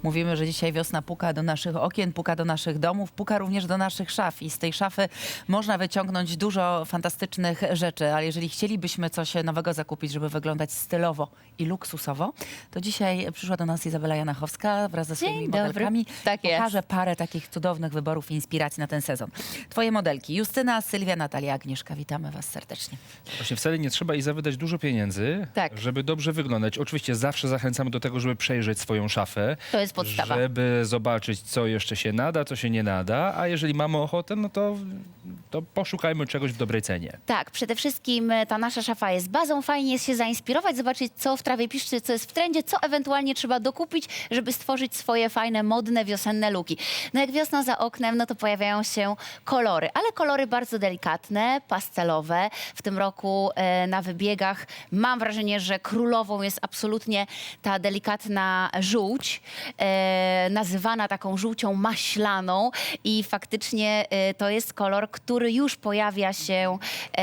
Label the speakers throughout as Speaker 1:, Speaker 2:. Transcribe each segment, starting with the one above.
Speaker 1: Mówimy, że dzisiaj wiosna puka do naszych okien, puka do naszych domów, puka również do naszych szaf i z tej szafy można wyciągnąć dużo fantastycznych rzeczy, ale jeżeli chcielibyśmy coś nowego zakupić, żeby wyglądać stylowo i luksusowo, to dzisiaj przyszła do nas Izabela Janachowska wraz ze swoimi
Speaker 2: Dzień dobry.
Speaker 1: modelkami.
Speaker 2: Tak jest.
Speaker 1: Pokaże parę takich cudownych wyborów i inspiracji na ten sezon. Twoje modelki Justyna, Sylwia, Natalia, Agnieszka. Witamy was serdecznie.
Speaker 3: Właśnie wcale nie trzeba Iza wydać dużo pieniędzy,
Speaker 2: Tak.
Speaker 3: żeby dobrze wyglądać. Oczywiście zawsze zachęcamy do tego, żeby przejrzeć swoją szafę.
Speaker 2: To jest podstawa.
Speaker 3: Żeby zobaczyć, co jeszcze się nada, co się nie nada, a jeżeli mamy ochotę, no to poszukajmy czegoś w dobrej cenie.
Speaker 2: Tak, przede wszystkim ta nasza szafa jest bazą, fajnie jest się zainspirować, zobaczyć, co w trawie piszczy, co jest w trendzie, co ewentualnie trzeba dokupić, żeby stworzyć swoje fajne, modne, wiosenne luki. No jak wiosna za oknem, no to pojawiają się kolory, ale kolory bardzo delikatne, pastelowe. W tym roku na wybiegach mam wrażenie, że królową jest absolutnie ta delikatna żółć, nazywana taką żółcią maślaną i faktycznie to jest kolor, który już pojawia się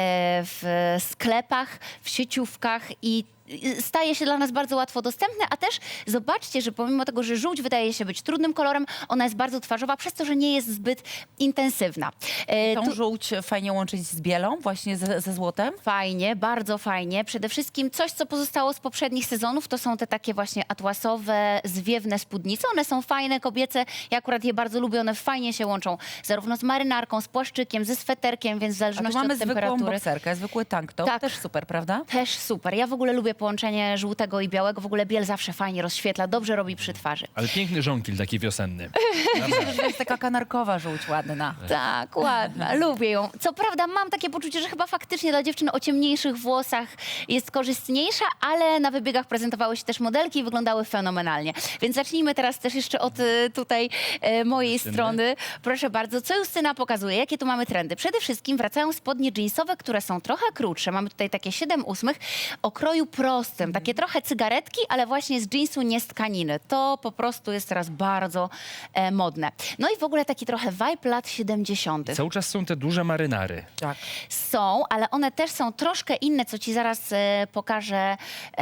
Speaker 2: w sklepach, w sieciówkach i staje się dla nas bardzo łatwo dostępny, a też zobaczcie, że pomimo tego, że żółć wydaje się być trudnym kolorem, ona jest bardzo twarzowa, przez to, że nie jest zbyt intensywna.
Speaker 1: Tą żółć fajnie łączyć z bielą, właśnie ze złotem.
Speaker 2: Fajnie, bardzo fajnie. Przede wszystkim coś, co pozostało z poprzednich sezonów, to są te takie właśnie atłasowe, zwiewne spódnice. One są fajne, kobiece. Ja akurat je bardzo lubię. One fajnie się łączą zarówno z marynarką, z płaszczykiem, ze sweterkiem, więc w
Speaker 1: A tu
Speaker 2: zależności
Speaker 1: mamy
Speaker 2: od
Speaker 1: zwykłą
Speaker 2: temperatury.
Speaker 1: bokserkę, zwykły tank top.
Speaker 2: Tak.
Speaker 1: Też super, prawda?
Speaker 2: Też super. Ja w ogóle lubię połączenie żółtego i białego. W ogóle biel zawsze fajnie rozświetla, dobrze robi przy twarzy.
Speaker 3: Ale piękny żonkil taki wiosenny.
Speaker 1: To jest taka kanarkowa żółć ładna.
Speaker 2: Tak, ładna, lubię ją. Co prawda mam takie poczucie, że chyba faktycznie dla dziewczyn o ciemniejszych włosach jest korzystniejsza, ale na wybiegach prezentowały się też modelki i wyglądały fenomenalnie. Więc zacznijmy teraz też jeszcze od tutaj mojej
Speaker 3: Justyny.
Speaker 2: strony. Proszę bardzo, co Justyna pokazuje? Jakie tu mamy trendy? Przede wszystkim wracają spodnie jeansowe, które są trochę krótsze. Mamy tutaj takie 7/8 o kroju prostym. Takie trochę cygaretki, ale właśnie z jeansu, nie z tkaniny. To po prostu jest teraz bardzo modne. No i w ogóle taki trochę vibe lat 70.
Speaker 3: Cały czas są te duże marynary.
Speaker 1: Tak.
Speaker 2: Są, ale one też są troszkę inne, co ci zaraz pokażę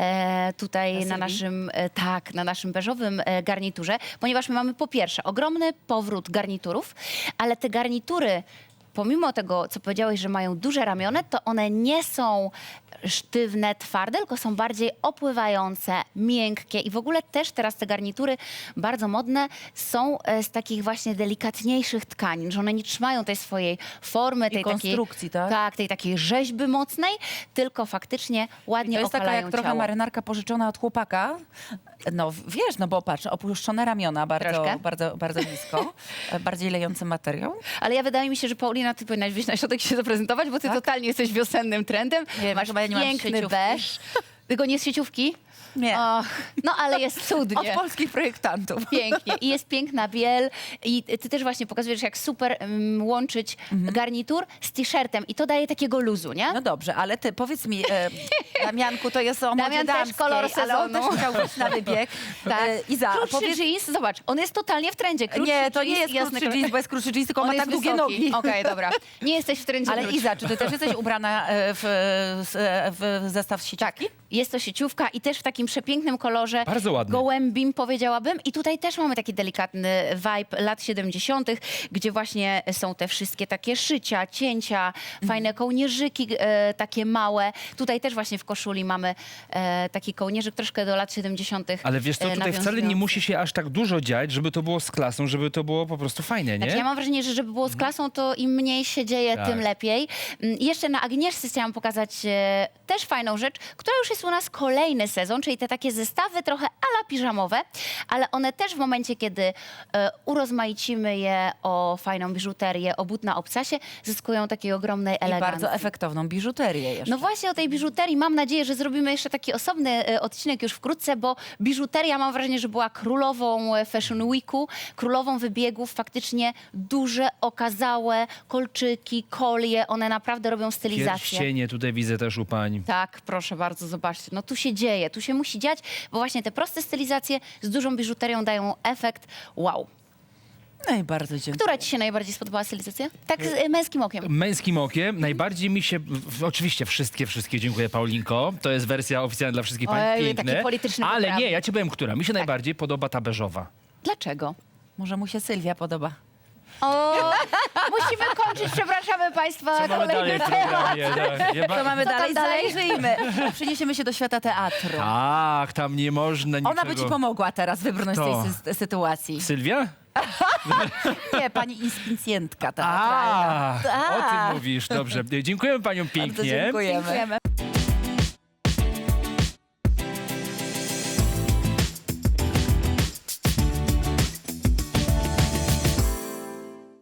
Speaker 2: tutaj
Speaker 1: Na
Speaker 2: na
Speaker 1: Sylwii?
Speaker 2: naszym, na naszym beżowym garniturze, ponieważ my mamy po pierwsze ogromny powrót garniturów, ale te garnitury, pomimo tego, co powiedziałeś, że mają duże ramiona, to one nie są sztywne, twarde, tylko są bardziej opływające, miękkie i w ogóle też teraz te garnitury bardzo modne są z takich właśnie delikatniejszych tkanin, że one nie trzymają tej swojej formy, tej
Speaker 1: konstrukcji,
Speaker 2: takiej,
Speaker 1: tak?
Speaker 2: Tak, tej takiej rzeźby mocnej, tylko faktycznie ładnie
Speaker 1: To jest taka
Speaker 2: okalają
Speaker 1: jak trochę
Speaker 2: ciało.
Speaker 1: marynarka pożyczona od chłopaka. No wiesz, no bo patrz, opuszczone ramiona bardzo,
Speaker 2: Troszkę.
Speaker 1: bardzo nisko, bardziej lejący materiał.
Speaker 2: Ale wydaje mi się, że Paulina, ty powinnaś wyjść na środek i się zaprezentować, bo ty
Speaker 1: Tak?
Speaker 2: totalnie jesteś wiosennym trendem.
Speaker 1: Nie,
Speaker 2: Masz
Speaker 1: chyba ja nie mam
Speaker 2: piękny
Speaker 1: sieciówki.
Speaker 2: beż. Tylko nie z sieciówki?
Speaker 1: Nie,
Speaker 2: Och, no ale jest
Speaker 1: od
Speaker 2: cudnie.
Speaker 1: polskich projektantów.
Speaker 2: Pięknie. I jest piękna biel. I ty też właśnie pokazujesz, jak super łączyć garnitur z t-shirtem. I to daje takiego luzu, nie?
Speaker 1: No dobrze, ale ty powiedz mi, Damianku, to jest o modzie
Speaker 2: Damian też
Speaker 1: damskiej,
Speaker 2: kolor
Speaker 1: ale on
Speaker 2: sezonu.
Speaker 1: też chciał wyjść na wybieg.
Speaker 2: Tak.
Speaker 1: Iza,
Speaker 2: Krótszy
Speaker 1: powiedz...
Speaker 2: jeans, zobacz, on jest totalnie w trendzie. Krótszy
Speaker 1: Nie, to nie
Speaker 2: jeans,
Speaker 1: jest
Speaker 2: jasny
Speaker 1: krótszy jeans, bo jest krótszy jeans, tylko on
Speaker 2: On
Speaker 1: ma
Speaker 2: jest
Speaker 1: tak długie
Speaker 2: wysoki.
Speaker 1: nogi.
Speaker 2: Okej, dobra. Nie jesteś w trendzie.
Speaker 1: Ale
Speaker 2: wróć.
Speaker 1: Iza, czy ty też jesteś ubrana w zestaw z sieciówki?
Speaker 2: Tak, jest to sieciówka i też w takim przepięknym kolorze.
Speaker 3: Bardzo ładny.
Speaker 2: Gołębim, powiedziałabym. I tutaj też mamy taki delikatny vibe lat 70., gdzie właśnie są te wszystkie takie szycia, cięcia, fajne kołnierzyki takie małe. Tutaj też właśnie w koszuli mamy taki kołnierzyk troszkę do lat 70.
Speaker 3: Ale wiesz co, tutaj wcale nie
Speaker 2: nawiązujący.
Speaker 3: musi się aż tak dużo dziać, żeby to było z klasą, żeby to było po prostu fajne, nie?
Speaker 2: Znaczy, ja mam wrażenie, że żeby było z klasą, to im mniej się dzieje,
Speaker 3: Tak.
Speaker 2: tym lepiej. I jeszcze na Agnieszce chciałam pokazać też fajną rzecz, która już jest u nas kolejny sezon, czyli te takie zestawy trochę ala piżamowe, ale one też w momencie, kiedy urozmaicimy je o fajną biżuterię, o but na obcasie, zyskują takiej ogromnej
Speaker 1: I
Speaker 2: elegancji.
Speaker 1: bardzo efektowną biżuterię jeszcze.
Speaker 2: No właśnie o tej biżuterii mam nadzieję, że zrobimy jeszcze taki osobny odcinek już wkrótce, bo biżuteria mam wrażenie, że była królową Fashion Weeku, królową wybiegów, faktycznie duże, okazałe kolczyki, kolie, one naprawdę robią stylizację.
Speaker 3: Pierścienie tutaj widzę też u pań.
Speaker 2: Tak, proszę bardzo, zobaczcie. No tu się dzieje, tu się musi dziać, bo właśnie te proste stylizacje z dużą biżuterią dają efekt wow.
Speaker 1: No i bardzo dziękuję.
Speaker 2: Która ci się najbardziej spodobała stylizacja? Tak z męskim okiem.
Speaker 3: Męskim okiem najbardziej mi się, oczywiście wszystkie, dziękuję Paulinko, to jest wersja oficjalna dla wszystkich pań,
Speaker 2: Ojej,
Speaker 3: piękne,
Speaker 2: taki polityczny
Speaker 3: ale
Speaker 2: poprawny.
Speaker 3: nie, ja ci powiem, która, mi się najbardziej podoba ta beżowa.
Speaker 2: Dlaczego?
Speaker 1: Może mu się Sylwia podoba.
Speaker 2: O, musimy kończyć, przepraszamy Państwa.
Speaker 3: Co mamy dalej w programie? Tak.
Speaker 1: Co mamy
Speaker 2: Co tam
Speaker 1: dalej?
Speaker 2: dalej?
Speaker 1: Zajrzyjmy. Przeniesiemy się do świata teatru.
Speaker 3: Tak, tam nie można niczego.
Speaker 1: Ona by ci pomogła teraz wybrnąć
Speaker 3: Kto?
Speaker 1: z tej sytuacji.
Speaker 3: Sylwia?
Speaker 1: Nie, pani inspicjentka teatralna.
Speaker 3: O tym mówisz, dobrze. Dziękujemy paniom
Speaker 1: Bardzo
Speaker 3: pięknie.
Speaker 1: dziękujemy.
Speaker 2: Dziękujemy.